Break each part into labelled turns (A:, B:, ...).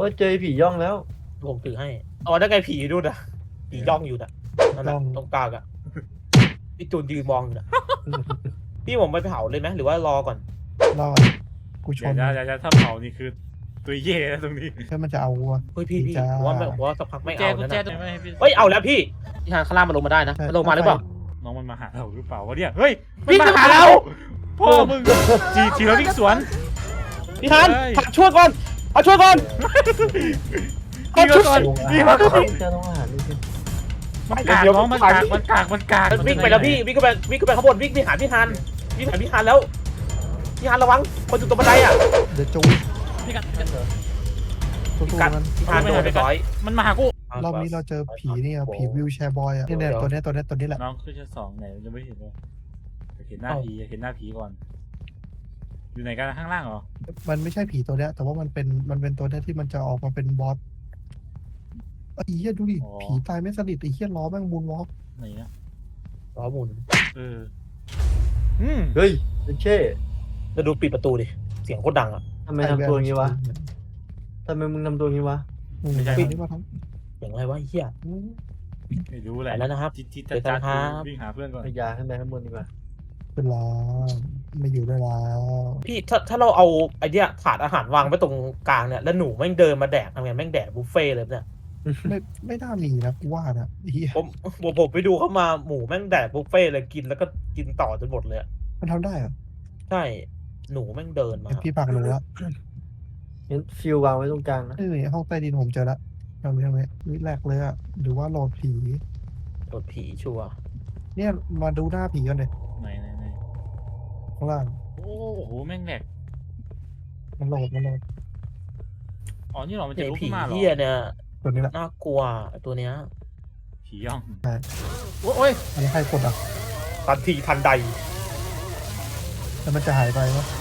A: ยเจอผีย่องแล้ว
B: ผมถือให้อ๋อนั่นไงผีดูนะผีย่องอยู่น่ะนั่นน่ะตรงกลางอ่ะพี่จูนยืนมองอยู่น่ะพี่ผมไปเผาเลยไหมหรือว่ารอก่อน
C: รอดกูชน
D: อย่าถ้าเผานี่คือตัวเย่แล้วตรงนี้
C: แค่มันจะเอาวัว
B: เฮ้ยพี่
C: จ้า
B: ผมว่าสักพักไม่
D: แจ
B: เอา
D: กุญ
B: แล้ว
D: แจ
B: นะ
D: ตัวไม่ให้พี่
B: เฮ้ยเอาแล้วพี่ทางข้างล่างมันลงมาได้นะมันลงมาหรือเปล่า
D: น้องมันมาหาเราหรือเปล่าวะเนี่ยเฮ้ย
B: พี่
D: มันมาหา
B: จะมา
D: เราพ่อมึงทีเราวิ่งสวน
B: พี่ทันผัดช่วยก่อนผัดช่วยก่อน
D: พี่มาก่อนพี่มาก่อน
A: เจอโรงอาหารนี่สิ
D: มันกากน้องมันกาก
B: มันวิ่งไปแล้วพี่วิ่งขึ้นไปข้างบนวิ่งไปหาพี่ทันวิ่งหาพี่ทันแล้วพี่ทันระวังคนอยู่ตรงบันไดอ่ะ
C: เดี๋ยวจู
D: พี่กัน
C: สู้
B: กัด
C: ๆมัน
B: พี่ทันโดนไปร้อย
D: มันมาหากู
C: รอบนี้เราเจอผีนี่อะผีวิวแชร์บอยอะเนี่ยตัวนี้แหละ
D: น้องขึ้นชั้นสองไหนยังไม่เห็นเลยเห็นหน้าผีเห็นหน้าผีก่อนอยู่ไหนกันข้างล่างเหรอ
C: มันไม่ใช่ผีตัวเนี้ยแต่ว่ามันเป็นตัวเนี้ยที่มันจะออกมาเป็นบอสไอ้เหี้ยดูดิผีตายไม่สนิทไอ้เหี้ยล้อแม่งมูนวอล์ก
D: ไหนนะ
B: ล้อหมุน
D: เออ
A: เฮ้ยเช่
B: จะดูปิดประตูดิเสียงโคตรดังอ่ะ
A: ทำไมทำตัวอย่างนี้วะทำไมมึงทำตัวอย่างนี้วะ
C: ไม่ใช่ที่ว่าทั้ง
B: เสียงอะไรวะเฮีย
D: ไม่รู้แหละ
B: ไปแล้วนะครับ
D: จิต
B: เดี๋ยวนะครับ
D: วิ่งหาเพื่อนก่อน
A: พยาขึ้นไปข้างบนดีกว่า
C: เป็นล้อไม่อยู่ได้แล้ว
B: พี่ถ้าเราเอาไอเนี้ยถาดอาหารวางไว้ตรงกลางเนี่ยแล้วหนูแม่งเดินมาแดกทำไงแม่งแดกบุฟเฟ่เลยเนี่ย
C: ไม่น่ามีนะกูว่านะไอ้เหี้ย
B: ผมไปดูเข้ามาหมูแม่งแดกบุฟเฟ่เลยกินแล้วก็กินต่อจนหมดเลยอะ
C: มันทำได้เหรอ
B: ใช่หนูแม่งเดินมา
C: เห็นพี่ปักหนูละ
A: เห็นฟิววางไว้ตรงกลางนะ
C: เอ้ยห้องใต้ดินผมเจอละทำไมวิแรกเลยอะหรือว่าโหลดผี
B: โดนผีชัวร์
C: เนี่ยมาดูหน้าผีกันเลย
D: ไหน
C: ข้างล่าง
D: โอ้โหแม่งแหลก
C: มันโหลด
D: อ๋อนี่หรอมันจะ
B: ไอ
D: ลุก
B: ผี
D: ขึ้นมาเหรอ
B: เฮียเนี่ย
C: ตัวนี้แหละ
B: น่ากลัวไอ้ตัวเนี้ย
D: ผีย่อง
B: โอ้ย
C: อันนี้ใครกดอ่ะ
B: ทันทีทันใด
C: แล้วมันจะหายไปวะ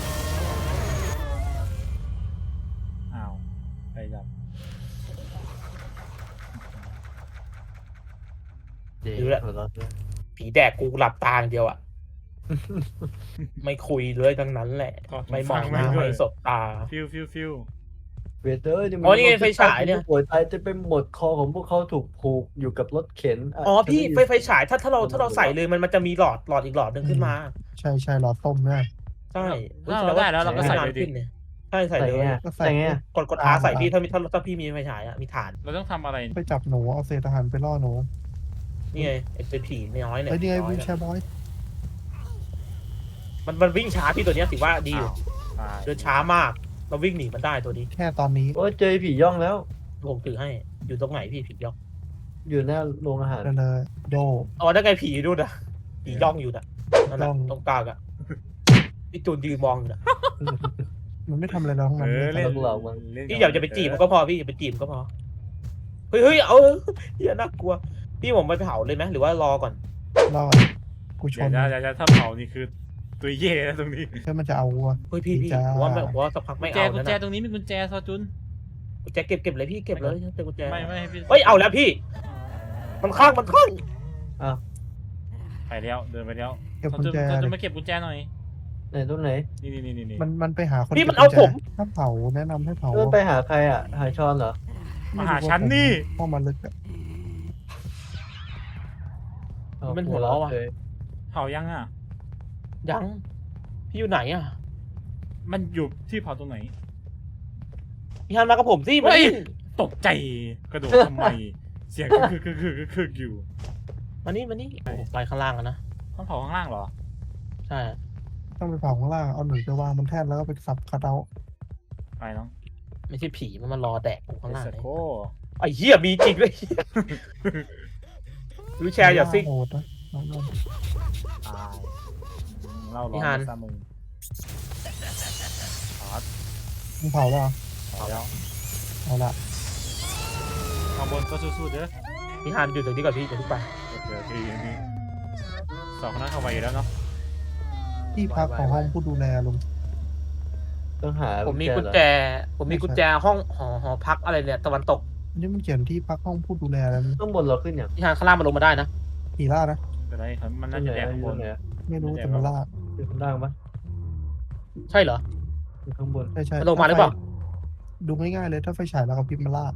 D: อ้าวไปดับ
A: เดี๋ยวหัวเราะด้วย
B: ผีแดกกูหลับตาอย่างเดียวอะ ไม่คุยเลยทั้งนั้นแหละ ไม่มองหน้าไม่สบตา
D: ฟิว
A: เวเตอร์
B: อ๋อนี่ไงไฟฉายเนี่ย
A: ป่วยตายจะเป็นหมดคอของพวกเขาถูกผูกอยู่กับรถเข็นะ
B: อ๋อพี่ไฟฉายถ้าเราใส่เลยมันจะมีหลอดอีกหลอดหนึ่งขึ้นมา
C: ใช่หลอดต้มนะ
B: ใช่
D: ถ้าเราได้แล้วเราก็ใส่เลยดิ
B: ขึ้นเนี่ยใช่ใส่
A: ใส่
B: เลย
A: ไงใส่ไง
B: กดอาใส่พี่ถ้าพี่มีไฟฉายอะมีฐาน
D: เราต้องทำอะไร
C: ไปจับหนูเอาเศษอาหารไปล่อหนู
B: นี่ไงไอ้ผีน้อยเนี่ย
C: ไอ้นี่ไง
B: น้อ
C: วิ
B: ยว
C: แชร์บอย
B: มันวิ่งช้าพี่ตัวเนี้ยถือว่าดีอยู่
D: ตาย
B: เดินช้ามาก เราวิ่งหนีมันได้ตัวนี้
C: แค่ตอนนี้
A: โอ้ยเจอผีย่องแล้ว
B: ผมถือให้อยู่ตรงไหนพี่ผีย่อง
A: อยู่หน้าโรงอาหาร
C: นั่นเลยโด
B: อ๋อนั่นไงผีดูนะผีย่องอยู่น่ะนั่นน่ะ
C: ย่อง
B: ตรงกลางอะพี่จูนยืนมองอยู่น่ะ
C: มันไม่ทำอะไรเราทั้งนั้น
D: เล่น
B: พี่อย่าไปจีบมันก็พอพี่อย่าไปจีบมันก็พอเฮ้ยเอาเฮียน่ากลัวพี่ผมไปเผาเลยไหมหรือว่ารอก่อน
C: รอดกูชน
D: อย่าถ้าเผานี่คือตัวเย่แล้วตรงนี้
C: แค่มันจะเอาวัว
B: เฮ้ยพี่
C: จ้า
B: ผมว่าสักพักไม่เอา
D: กุญ
B: แล้ว
D: แจ
B: นะ
D: ตรงนี้มีกุญแจซอจุน
B: กุญแจเก็บเลยพี่เก็บเลยเจอกุญแจ
D: ไม่ให้พี่
B: เฮ้ยเอาแล้วพี่ มันข้าง
D: ไปแล้วเดินไปแล้ว
C: เก็บ
D: ซอ
C: กุญ
D: จุน
C: แจ
D: ซอจุ
C: เล
D: น
C: ย
D: มาเก็บกุญแจหน่อย
A: ไหนตรงไหน
D: นี่
C: มันไปหาคน
B: พี่มัน
C: ก็บกุญแจ
B: เอาผม
C: ถ้าเผาแนะนำให้เผา
A: เออไปหาใครอ่ะ หาชอนเหรอ
D: มาหาฉันนี่
C: ห้องมันลึกอะ
B: มันหัวเราะว่ะ
A: เลย
D: เผายังอ่ะ
B: ยังพี่อยู่ไหนอ่ะ
D: มันอยู่ที่เผาตรงไหน
B: พี่ฮันมากับผมสิ
D: เฮ้ย
B: มานี่
D: ตกใจกระโดดทำไม เสียงคืออยู่
B: มานี่โอ้โหไปข้างล่างอะนะ
D: ต้องเผาข้างล่างเหรอ
B: ใช่
C: ต้องไปเผาข้างล่างเอาหนูไปวางบนแท่นแล้วก็ไปสับคัดเอา
D: ไปน้อง
B: ไม่ใช่ผีมันมารอแดกกูข้างล่าง
D: เอส
B: เลย
D: โก้
B: ไอ้เหี้ยมีจริงเลยวิวแชร์อย่าซิ่ง
C: โหดนะน้อง
D: ตายเล่าร้
B: พี่
D: อ
B: ฮั
D: น
B: น
D: ซามึงถอด
C: ๆมึงเผาเปล่า
D: เผาแล้ว
C: เอาละ
D: ข้างบนก็สู้ๆเด้อ
B: พี่ฮันอยู่ตรงนี้ก่อนพี่เดี๋ยวพี่ไป
D: เจอทีนี้สองคนนั้นเข้าไปอยู่แล้วเนาะ
C: ที่พักของห้องผู้ดูแลลุง
A: ต้องหา
B: ผมมี
A: เหรอ
B: กุญแจห้องหอพักอะไรเนี่ยตะวันตก
C: อันนี้มันเขียนที่พักห้องผู้ดูแลแล้ว
A: ข้างบนเราขึ้นอย่าง
B: พี่ฮันข้างล่างมันลงมาได้นะ
C: ผีล่านะ
D: เป็นไรครับมันน่าจะแดกข้างบน
A: ไหน
C: ไม่รู้แต่มันล่า
A: อยู่ข้างล่างปะ
B: ใช่เหรอ
A: อยู่ข้างบน
C: ใช่
B: มันลงมาหรือเปล่า
C: ดูง่ายๆเลยถ้าไฟฉายแล้วก็พิมพ์มาล่า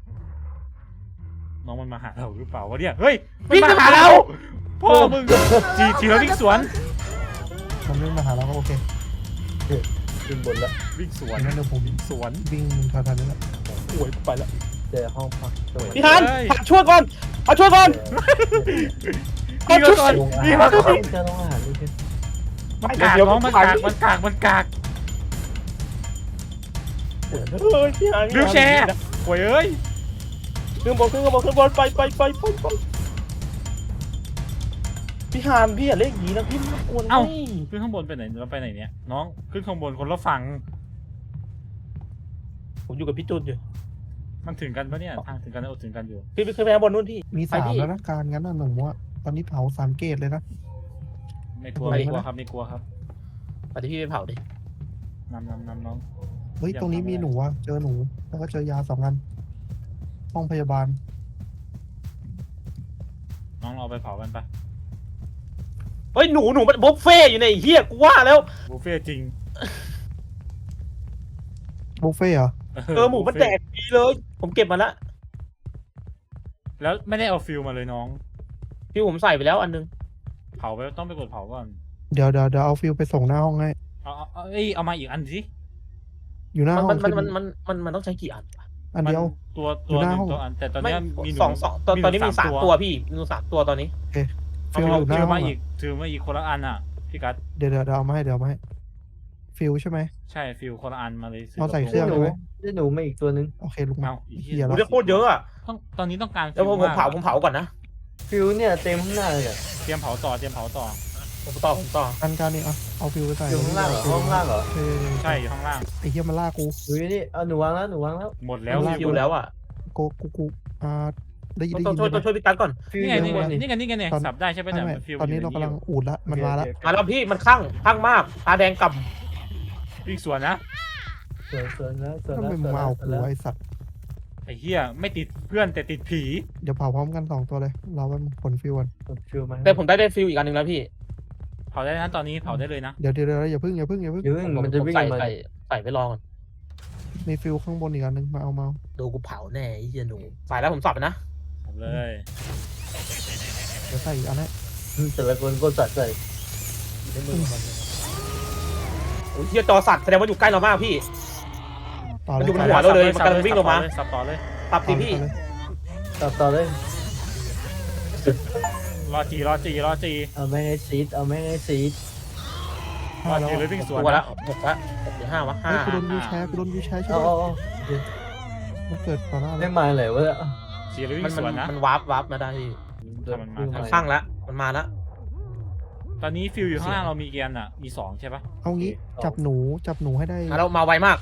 D: น้องมันมาหาเราหรือเปล่าวะเนี่ยเฮ้ยมันมาหาเราพ่อมึงจีแล้ววิ่งสวน
C: มันไม่มาหาเราก็โอเค
A: ขึ้นบนแล้ว
D: วิ่งสวน
C: งั้นเดี๋ยวผม
D: สวน
C: วิ่งทันๆนี่แหละ
B: โอ้ยไปแล้ว
A: เจอห้องพักสวย
B: พี่ฮันช่วยก่อนเอาช่วยก่อน
D: นี่มาก่อน
A: ลงอา
D: นี่
A: หา
D: มาก่อน
A: รจะลงอาหารนี่คือ
D: มันกากน้องมันกากมันกากมันกาก
B: เฮ้ยพี่ฮัน
D: วิวแชร์โว้ยเอ้ย
B: ขึ้นบนไปพี่ฮันพี่อย่าเล่นอย่างนี้นะพี่ไม่ควร
D: เอ้า
B: นี่
D: ขึ้นข้างบนไปไหนเราไปไหนเนี่ยน้องขึ้นข้างบนคนละฝั่ง
B: ผมอยู่กับพี่จุนอยู่
D: มันถึงกันปะเนี่ยทางถึงกันถึงกันอยู่
B: พี่ขึ้นไปข้างบนนู่นพี่
C: มี
B: ไป
C: 3
B: พี่
C: แล้วนะการงั้นน่ะหนูว่าตอนนี้เผา3 เกตเลยนะ
D: ไม่กลัว
C: ไป
D: ไม่กลัวครับไม่กลัวครับ
B: ไปที่พี่ไปเผาดิ
D: นำน้อง
C: เฮ้ยตรงนี้มีหนูอะเจอหนูแล้วก็เจอยา2 อันห้องพยาบาล
D: น้องเราไปเผากันปะ
B: เฮ้ยหนูมันบุฟเฟ่อยู่ในเฮียกูว่าแล้ว
D: บุฟเฟ่จริง
C: บุฟเฟ่ต์เหรอ
B: หมูมันแดกดีเลย ผมเก็บมาละ
D: แล้วไม่ได้เอาฟิลมาเลยน้อง
B: พี่ผมใส่ไปแล้วอันนึง
D: เผาไปต้องไปกดเผาก่อน
C: เดี๋ยวเอาฟิลไปส่งหน้าห้องให้
D: เอามาอีกอันสิ
C: อยู่หน้าห้อง
B: มันต้องใช้กี่อัน
C: อันเดียว
D: ตัว
C: อยู่หน้า
D: หนึ่
C: ห้อง
D: งตัวอันแต่ตอน
B: ไม่
D: นี้มีหนู
B: สองตอนนี้มี3 ตัวพี่มี3 ตัวตอนนี้
C: ฟิล
D: เอา
C: อยู่หน้า
D: ฟิล
C: ห้อ
D: มาง อี
C: อะ
D: กถือมาอีกคนละอันอ่ะพี่กัส
C: เดี๋ยวเอามาให้ฟิลใช่ไหม
D: ใช่ฟิลคนละอันมาเลย
C: เอาใส่เครื่
A: ได้
C: อง
A: หนูได้หนูมาอีกตัวนึง
C: โอเคลุกมา
D: เอาอีก
C: เหี้ย
B: กู
C: ละ
B: ได้โคตรเยอะอ่ะ
D: ตอนนี้ต้องการ
B: แล้วผม
D: ฟิล
B: เผาก่อนนะ
A: ฟิวเนี่ยเต็มข้างหน้าเลยอะ
D: เตรียมเผาต่อ
B: ผมต่อ
C: การนี่เอาฟิลไปใส่
A: อยู่ข้างล่างเหรอห้องล่างเหรอ
D: ใช่อยู่ข้างล่าง
C: ไอ้เหี้ยมันล่ากู
A: อยู่นี่เอาหนูวางแล้ว
D: หมดแล้ว
C: เอา
B: อยู่แล้วอ่ะ
C: กูได้ยิน
B: ต้อง
C: ใช่ไหม
B: ช่วยพี่ตั๊กก่อน
A: ฟิว
D: นี่
A: อ
D: ไง
A: ยู่
D: นี่
A: ข้าง
D: ไง
A: บนนี่
D: นี่ไงนี่ไงสับได้ใช่ไหม
C: ไม่
D: แต่ฟิล
C: ตอนนี้เรากำลังอูดละมันมาละ
B: มาแล้วพี่มันข้างมากตาแดงกำ
D: วิ่งสวนนะ
A: สวยแล้ว
C: ทำไมมึงมาเอากูไอ้สัตว์
D: ไอ้เหี้ยไม่ติดเพื่อนแต่ติดผี
C: เดี๋ยวเผาพร้อมกัน2 ตัวเลยเราไปผลฟิลกัน
A: ฟิวมา
B: แต่ผมได้ฟิลอีกอันนึงแล้วพี่
D: เผาได้นะตอนนี้เผาได้เลยนะ
C: เดี๋ยวอย่าพึ่ง
A: อย่าเพิ่งมันจะวิ่ง
B: ใส่
A: มา
B: ใส่ไปลองก่อน
C: มีฟิลข้างบนอีกอันนึงมาเอา
B: ดูกูเผาแน่ไอ้เหี้ยหนูใส่แล้วผมสับไปนะ
D: เอาเลย
C: เดี๋ยวใส่อีกอันให้
A: แต่ละคนก็จัดใส่
B: โอ้ยเหี้ยจอสัตว์แสดงว่าอยู่ใกล้เรามากพี่
C: ต่อเล
B: มัน
C: ย
B: อยู่บนหัวเราเลยมันกำลังวิ่งลงมา
D: สับต่อเลย
B: สับสิพี่
A: ต่อเลย
D: รอจี
A: เอาแม่งให้ซีด
D: รอจีเลยวิ่งสวน
B: ตัวละ6ละ6หรือ5วะ
C: เฮ้ยกูโดน
B: 5
C: วิวแชร์ช่วย
A: เอา
C: มันเกิดต่อหน้า
A: ได้
C: แล้ว
A: มาไหนวะ
D: จีเลยวิ่
B: มัน
D: งสวนนะ
B: มันวาร์ปมาได้พี่ มันข้างละมันมาละ
D: ตอนนี้ฟิลอยู่ข้างล่างเรามีเกียร์อ่ะมี2ใช่ปะ
C: เอางี้จับหนูให้ได้
B: เรามาไวมาก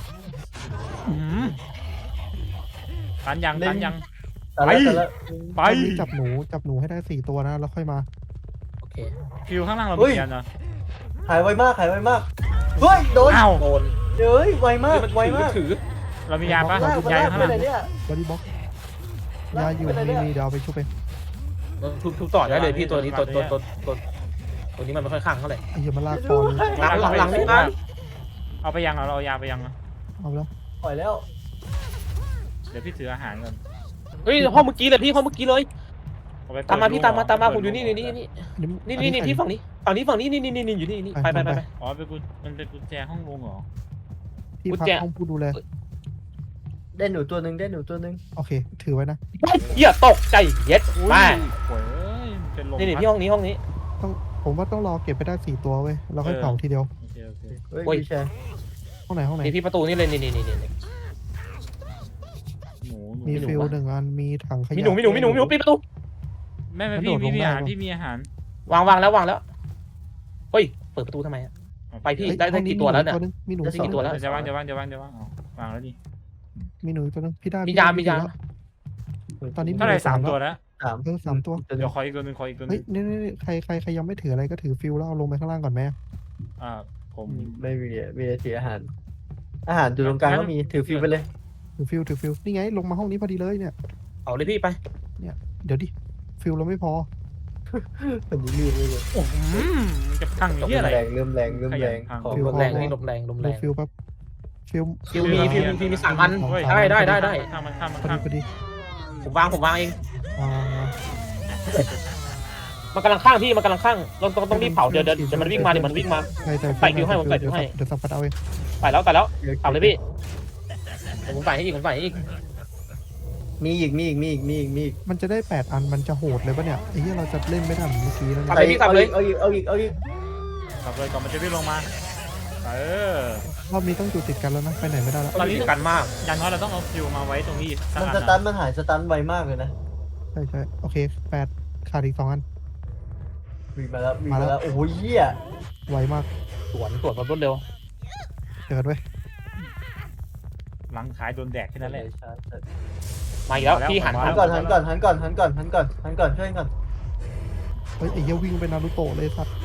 D: ตันยัง
A: แต่ละ
D: ไป
C: ตอนนี้จับหนูให้ได้4 ตัวนะแล้วค่อยมา
B: โอเค
D: ฟิลข้างล่างเรามีเกียร์นะ
A: หายไวมากเฮ้ยโดน
D: อ้าว
B: โดน
A: เฮ้ยไวมาก
B: ถือ
D: เรามียาปะ
A: ลาก
D: ยาอยู่
A: ไป
D: ข้างล่าง
A: ไหนเนี่ย
C: บอดี้บ็อกยาอยู่มีเดี๋ยวเอาไปชุบไป
B: ทุบต่อได้เลยพี่ตัวนี้ตัวนี้มันไม่ค่อยข้างเท่าไหร่
C: ไอ้เหี้ยมันลากคอเลย
B: หลังนี่นะ
D: เอาไปยังเราเอายาไปยัง
C: เอาแล้ว
A: ปล่อยแล้ว
D: เดี๋ยวพี่ถืออาหารก่อน
B: เฮ้ยห้องเมื่อกี้เลยพี่ห้องเมื่อกี้เลย
D: เอาไป
B: ตามมาพี่ตามมา
D: เปิด
B: ผมอยู่นี่นี่พี่ฝั่งนี้นี่อยู่นี่ไป
D: อ๋อมันเป็นกุญแจห้องลงเหรอ
C: ที่พักห้องผู้ดูแล
A: ได้หนูตัวนึง
C: โอเคถือไว้นะ
B: เหี้ยตกใจเย็ด
D: อุ้ย
B: ไป
D: โอ้ยเป็นลม
B: นี่พี่ห้องนี้
C: ผมว่าต้องรอเก็บไปได้4 ตัวเว้ยเราค่อยเผาทีเดียว
D: โอเค
A: เฮ้ย
B: โอ้ย
A: พี่แชร์
C: ห้องไหน
B: นี่พี่ประตูนี่เลยนี่
D: หนู
C: มีฟิล1 อันมีถังขยะ
B: มีหนูปิดประตู
D: แม่พี่มีอาหารพี่มีอาหาร
B: วางแล้วเฮ้ยเปิดประตูทำไมไปพี่ได้กี่ตัวแล้วเนี่ย
C: มีหนู
B: ได้กี่ตัวแล้ว
D: จะวางเอาวางแล้วนี่
C: มีหนูตัวนึงพี่ได้
B: มียา
C: ตอนนี้
D: เท่าไหร่3 ตัวแล้ว
C: 3 ตัว
D: เดี๋ยวขออีกตัวนึง
C: เฮ้ยนี่ใครยังไม่ถืออะไรก็ถือฟิลแล้วเอาลงไปข้างล่างก่อนไหม
D: ผม
A: ไม่มีถืออาหารอยู่ตรงกลางก็มีถือฟิวไปเลย
C: ถือฟิลนี่ไงลงมาห้องนี้พอดีเลยเนี่ย
B: เอาเลยพี่ไป
C: เดี๋ยวดิฟิลเราไม่พอ
A: มันยืดเลย
D: จะพังที่อะไร
A: เริ่มแรงของ
B: ลมแรงนี่ลมแรง
C: ดูฟิลแป๊บฟิล
B: ฟิวมี3 อัน
D: เฮ้ย
B: ได้
D: ข้ามมันข้ามมัน
C: พอ
D: ข้า
C: ดี
D: ม
C: พอดี
B: ผมวางเอง
C: อ่า
B: มันกำลังข้างพี่มันกำลังข้างต้องรีบเผาเดี๋ยวมันวิ่งมาเดี๋ยวมันวิ่งมา
C: ใช่ใช่
B: ใส่ฟิวให้ผมใส่ฟิวให้
C: เดี๋ยวสับปัดเอาเอง
B: ไปแล้วเผาเลยพี่ผมใส่ให้อีก
A: มีอีก
C: มันจะได้8 อันมันจะโหดเลยปะเนี่ยไอ้เหี้ยเราจะเล่นไม่ได้เหมือนเมื่อกี้แล้ว
B: ทำ
C: เนี่ย
B: เลยพี่ทำเลย
A: เอาอีก
D: ขับเลยก่อนมันจะวิ่งลงมาเออ
C: รอบนี้ต้องอยู่ติดกันแล้วนะไปไหนไม่ได้แล้ว
B: ตอนนี้กันมาก
D: อย่างน้อยเราต้องเอาฟิวมาไว้ตรงนี้สัก
A: มัน
D: อัน
A: สตั
D: นะ
A: นมันหายสตันไวมากเลยนะ
C: ใช่ใช่โอเค8ขาดอีก2 อัน
A: วิ่งมาแล้วโอ้โหเหี้ย
C: ไวมาก
B: สวนแบบรวดเร็ว
C: เจอกันไว้ย
D: หลังขายโดนแดกแค่นั้นแหละ
B: มาอีกแล้วพี่หัน
A: หันก่อนช่วยก่อน
C: เฮ้ยไอ้เหี้ยวิ่งไปนารูโตะเลยสัตว์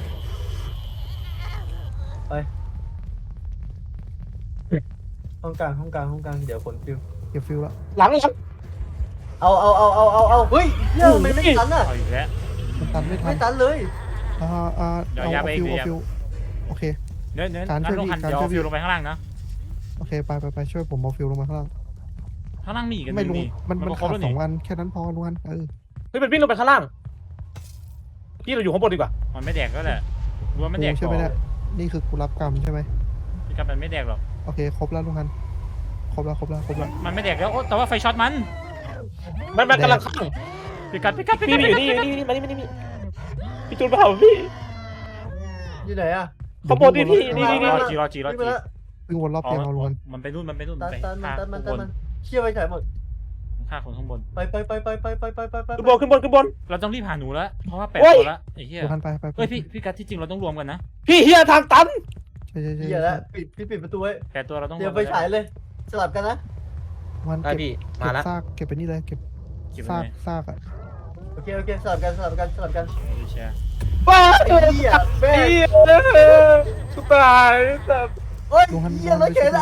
A: ห้องกลางเดี๋ยวผลฟิว
C: เก็บฟิลละ
B: หลัง
A: เอาเฮ้ยเหี้ยทำไมไม่ตันอ่ะ
D: เอาอีกแล้ว
C: มันตันไม่ทั
A: ไม่
C: น
A: ตันเลย
C: เอาฟิลโอเค
D: เนื้อ
C: การ
D: งั้
C: ช่วย
D: นลงหัน
C: การ
D: เดี๋ยว
C: ช่วย
D: เอาฟิวลงไปข้างล่างนะ
C: โอเคไปช่วยผมเอาฟิลลงมาข้างล่าง
D: ข้างล่างมีอีกกัน
C: ไม่ลุง
D: นี่
C: มัน
D: ก็คร
C: ขา
D: บ
C: ด
D: แล้วนี่
C: 2 อันแค่นั้นพอลุงอัน
B: เฮ้ยมันวิ่งลงไปข้างล่างพี่เราอยู่ข้างบนดีกว่า
D: มันไม่แดกก็แหละรู้ว่ามันแดก
C: ใช่ไหมเนี่ยนี่คือกูรับกรรมใช่ไหม
D: พี่กับมันไม่แดกหรอก
C: โอเคครบแล้วลุงอันครบแล้ว
D: มันไม่แดกแล้วโอ้แต่ว่าไฟช็อตมัน
B: มันกำลังข้าง
D: พี่กัด
B: พี่อยู่นี่มานี่พี่จูนเผาพี่
A: อยู่ไหนอ่ะ
B: ข้างบนนี่พี่นี่
D: รอจี
A: วิ่งมาแล้ว
C: วิ่งวนรอบเตียงเอาลุงอัน
D: มันไปนู่นไป
A: ตัน
D: ฆ่าคนข้างบน
A: เชี่ยไปถ่ายหมด
D: ฆ่าคนข้างบน
A: ไป
B: ขึ้นบน
D: เราต้องรีบหาหนูแล้วเพราะว่า8
B: โอ้ย
D: ตัวแล้วไอ้เหี้ย
C: ลุงอันไป
D: เฮ้ยพี่กัดที่จริงเราต้องรวมกันนะ
B: พี่เฮียทางตัน
C: ใช่
A: เหี้ยแล้วปิดประตูไว้
D: 8ตัวเราต้องร
A: เดี๋ยว ว
D: ม
A: ไปฉายเลยสลับกันนะ
C: มัน
B: ได้
C: เก็บ
B: พี่มาแล้ว
C: ซากเก็บไปนี่เลยเก็บ
D: เก็บ
C: ซา
D: ไว้
C: กซากอ่ะ
A: โอเคสลับกัน
D: แชร์
B: ว้า
A: ไอ้เหี้ยแม่ง
B: เฮียกูตายแต่
A: เฮ้ยเหี้ยแล้วเข็น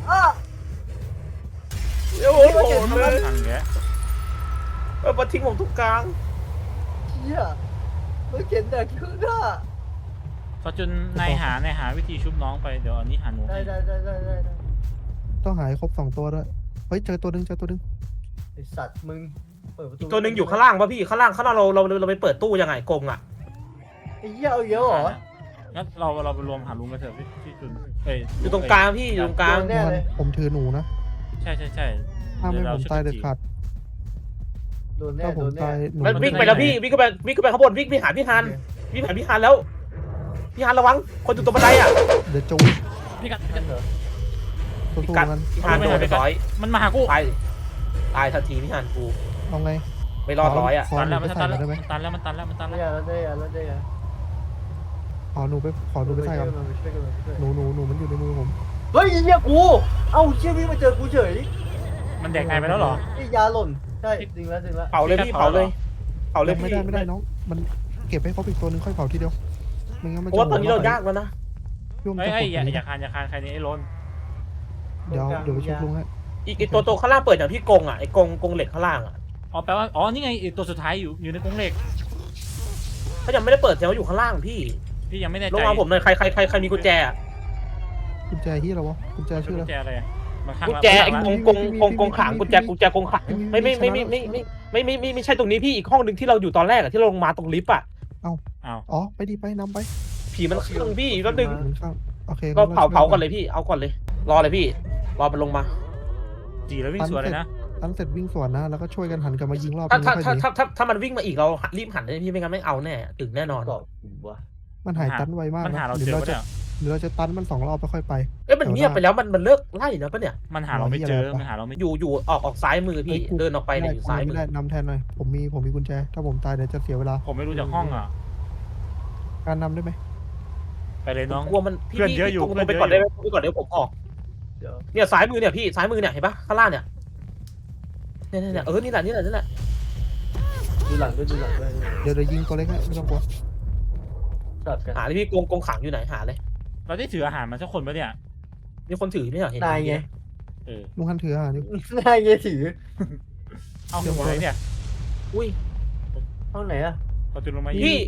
B: โอ้โหเลย
D: ทันแก
B: มาทิ้งผมทุกกลาง
A: เหี้ยแล้วเข็นแดกขึ้นอ่ะ
D: พอจนนายหาวิธีชุบน้องไปเดี๋ยวอันนี้หาหนูให้
A: ได้
C: ต้องหายครบ2 ตัวด้วยเฮ้ยเจอตัวหนึง
A: ไอสัตว์มึงเปิดประตู
B: ตัวหนึ่งอยู่ข้างล่างป่ะพี่ข้างล่างเราไปเปิดตู้ยังไงกงอ่ะ
A: ไอ้เหี้ยเอาเยอะเหรอ
D: งั้นเราไปรวมหาลุงกันเถอะพี่จุนเอ้ย
B: อยู่ตรงกลางพี่อยู่ตรงกลาง
A: แน่เลย
C: ผมถือหนูนะ
D: ใช่
C: ห้ามให้ผมตายเด็ดขาด
A: โดนแน่
C: ถ้าผมตายหนู
B: มันวิ่งไปแล้วพี่วิ่งไปข้างบนวิ่งไปหาพี่ฮันวิ่งหาพี่ฮันแล้วพี่ฮันระวังคนอยู่ตรงบันไดอ่ะ
C: เดี๋ยวจะ
D: พี่กัด
A: เหรอ
C: สู้
B: พี่
C: ๆ
B: กัด
C: กัน
B: พี่ฮันโดนไปร้อย
D: มันมาหากู
B: ตายทันทีพี่ฮันกู
C: เอาไง
B: ไม่รอดร้อยอ่ะ
C: ขอ
D: ตัน
C: หนู
D: แล้ว
C: ไป
D: มัน
C: ใส่
D: ตัน
C: ก่อนได้ไหม
D: แล้วมันตันแล้ว
A: ได้อะ
C: ขอหนูไปใส่ก่อนหนูมันอยู่ในมือผม
A: เฮ้ยเหี้ยกูเอ้าเชี่ยวิ่งมาเจอกูเฉย
D: มันแดกนายไปแล้วเหรอ
A: ไอ้ยาหล่นใช่จริงแล้ว
B: เผาเลยพี่เผาเลย
C: ไม่
B: พี่
C: ได้น้องมันเก็บให้ครบอีกตัวหนึงค่อยเผาทีเดียวไม่งั้นมัน
B: เพราะว่าตอนนี้เรายากแล้วนะ
C: ยุ่ง
D: เอ้ย
C: จะ
D: อย่าคานใครนี่ไอ้ล้น
C: เดี๋ยวไปชุบลุงให้
B: อีกตัวข้างล่างเปิดอย่างพี่กงอ่ะไอ้กงเหล็กข้างล่างอ่ะ
D: อ๋อแปลว่าอ๋อนี่ไงตัวสุดท้ายอยู่ในกรงเหล็ก
B: เขายังไม่ได้เปิดแต่ว่าอยู่ข้างล่างพี่
D: พี่ยังไม่แน่ใจ
B: ลงมาผมหน่อยใครมีกุญแจอ่ะ
C: กุญแจที่เราวะกุญแจชื่อ
D: กุ
C: อะไร
D: ญแจอะไรมันข้าง
B: กุญแจไอ้กงขังกุญแจกงขังไม่ใช่ตรงนี้พี่อีกห้องหนึ่งที่เราอยู่ตอนแรกอะที่เราลงมาตรงลิฟต์อะ
C: อ๋อไปนำไป
B: ผีมันข้างพี่แป๊บนึง
C: หมุนข้างโอเค
B: ก็เผาก่อนเลยพี่เอาก่อนเลยรอเลยพี่รอมันลงมา
D: จีแล้ววิ่งสวนเลยนะ
C: ตั้งเสร็จวิ่งสวนนะแล้วก็ช่วยกันหันกลับมายิงรอบ
B: ถ้า
C: นึง
B: ถ้า
C: ค่อย
B: ถ้า
C: หนี
B: ถ้ามันวิ่งมาอีกเรารีบหันเลยพี่ไม่งั้นไม่เอาแน่ถึงแน่นอน
A: กรอบวะ
C: มันหายตันไวมาก
D: มันหา
C: นะ
D: เรา
C: หรื
D: เจ
C: อ
D: อ
C: เราจะ
D: เนี่ย
C: หรือเราจะตันมัน2 รอบแล้วค่อยไป
B: เอ้ยมันเงียบไปแล้วมันเลิกไล่นะปะเนี่ย
D: มันหาเราไม่เจอมันหาเราไม่
B: อยู่ออกซ้ายมือพี่เดินออกไปเนี่ยอยู่ซ้ายมื
C: ไม่
B: อ
C: ได้นำแทนหน่อยผมมีกุญแจถ้าผมตายเดี๋ยวจะเสียเวลา
D: ผมไม่รู้จากห้องอ่ะ
C: การนำได้ไหม
D: ไปเลยน้อง
B: กลัวมันพี่
D: เพื่อนเยอะอยู่
B: ลงไปก่อนได้ไหมไปก่อนเดี๋ยวผมออก
A: เดี๋ยว
B: เนี่ยซ้ายมือเนี่ยพี่ซ้ายมือเนี่ยเห็นปะข้างล่างเนี่ยเนี่ยนี่แหละนี่แหละ
A: ดูหลังด้วย
C: เดี๋ยวยิงตัวเล็กให้ไม่ต้องกลัว
A: สลับกัน
B: หาเลยพี่กงขังอยู่ไหนหาเลย
D: เราได้ถืออาหารมาสักคนปะเนี่ย
B: มีคนถือไม่เหรอเห็น
A: นายไง
C: ลุงฮันถืออาหารอยู่
A: นายไงถือ
D: เอาหัวไหนเนี่ย
B: อุ้ย
A: ห้องไหนอะ
D: เราจุดลงมา
B: พี่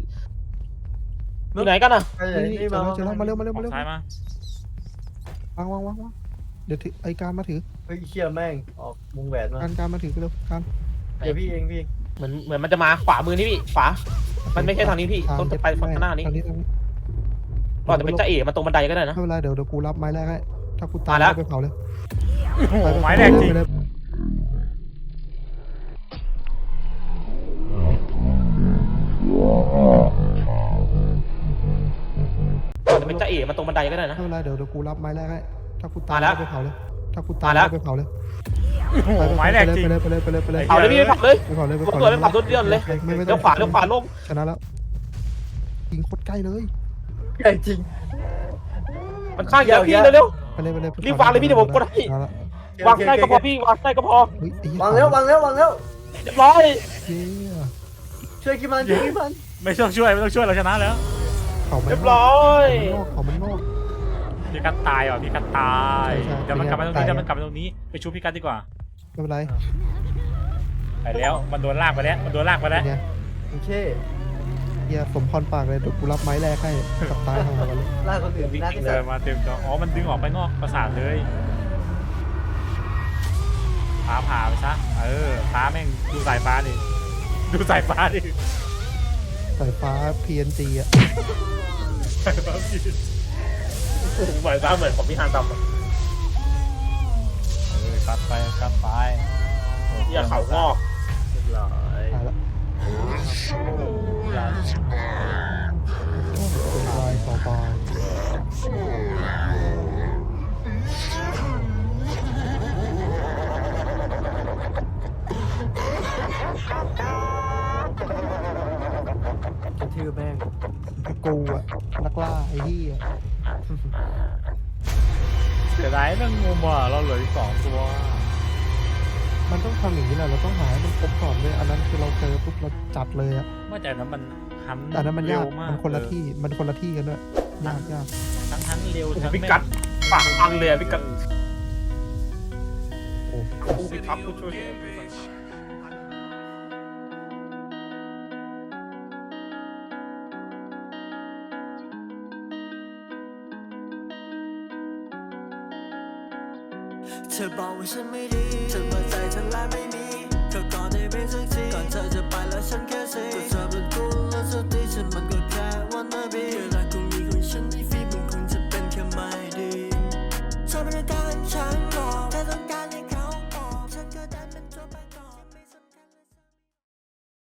B: อยู่ไหนกันอ่ะ
A: ไปไหนนี่มา
C: เจอแล้วมาเร็ว
D: ซ้ายมา
C: วางเดี๋ยวถือไอ้การมาถือ
A: เฮ้ยเชี่ยแม่งออกวงแหวนมา
C: การมาถือไปเร็วการ
A: เดี๋ยวพี่เองพี่
B: เหมือนมันจะมาขวามือนี่พี่ขวามันไม่ใช่ทางนี้พี่ต้องไปฝั่งหน้านี้
C: ทางนี้
B: ก่อนจะเป็นจ้าเอ๋มาตรงบันไดก็ได้นะ
C: ไม่เป็นไรเดี๋ยวกูรับไม้แรกให้ถ้ากูตาย
B: มาแล้ว
C: ไปเผาเลย
D: โอ้โห
C: ป
D: ไม้แรกจริง
C: ไปเลย
B: ก่อนจะเป็นจ้าเอ๋มาตรงบันไดก็ได้นะ
C: ไม่เป็นไรเดี๋ยวกูรับไม้แรกให้ถ้ากูตาย
B: มาแล้ว
C: ไปเผาเลยถ้ากูตาย
B: มาแล้ว
C: ไปเผาเลย
D: โอ้โหไม้แรกจริง
C: ไปเลยไปเลย
B: เผาเลยพี่เผาเลย
C: ไปเผาเลยไป
B: ตัว
C: เผา
B: ตัวไปเผาตัวเดียวเลย
C: ไม่
B: เลี้ยวขวาลง
C: ชนะแล้วยิงโคตรใกล้เลย
A: ใหญ่จริง
B: มันข้างเดียวพี่เร็ว
C: ไปเลย
B: รีบวางเลยพี่เดี๋ยวผมกดให้
C: เอาละ
B: ๆวางใกล้ก็พอพี่วางใกล้ก็พอ
C: เฮ้ยไอ้เหี้ยว
A: างแล้ววางแล้ววางแล้ว
B: เรียบร้อย
C: เหี้ย
A: ช่วยกินมันช่วยกินมัน
D: ไม่ต้องช่วยเราชนะแล้ว
C: เผามัน
B: เรียบร้อย
C: เผามันนอก
D: พี่กัดตายว่ะพี่กัดตาย
C: ใช่
D: เดี๋ยวมันกลับมาตรงนี้
C: ตาย
D: เดี๋ยวมันกลับมาตรงนี้ไปชูพี่กัดดีกว่า
C: ไม่เป็นไร
D: ไปแล้วมันโดนลากไปแล้วมันโดนลากไปแล้ว
C: เนี่ย
A: โอเค
C: เฮียสมพรปากเลยเดี๋ยวกูรับไม้แรกให้กับตายทางเราเลย
A: ล่าคนอื่นน่าที่
D: เดิ
A: สุ
D: น
A: ด
D: มาเต็มจออ๋อมันดึงออกไปนอกปราสาทเลยผ่าไปซะฟ้าแม่งดูสายฟ้าดิดูสายฟ้าดิ
C: สายฟ้า PNG อ่ะ
B: เหมือนฟ้าเหมือนของพี่ฮานดำ
D: กัดไป
B: อย่าเข่างอก
A: เรียบร้อย
C: ตายละเป็นลายต่อไป
A: กระทืบแม่ง
C: กูอะนักล่าไอ้ที่อะ
D: เสียดายแม่งงมอ่ะเราเหลืออีก2 ตัว
C: มันต้องทำอย่างนี้แหละเราต้องหาให้มันครบก่อนเลยอันนั้นคือเราเจอปุ๊บเราจัดเลยอะ
D: ว่าแต่นั้นมันหัน
C: แต่อันนั้นมันยาก
D: เร็วมาก
C: มันคนละที่มันคนละที่กันด้วยยาก
D: ทั้งเร็วทั้ง
B: พี่กัดปากอันเลยพี่กัด
C: โอ้
B: ผู้พิทักษ์ผู้ช่วย
E: เธอบอกว่าฉันไม่ดีเธอเปิดใจเธอแล้วไม่มีก็ก่อนได้เป็นสักทีก่อนเธอจะไปแล้วฉันแค่สิก็เธอเป็นกูแล้วเธอตี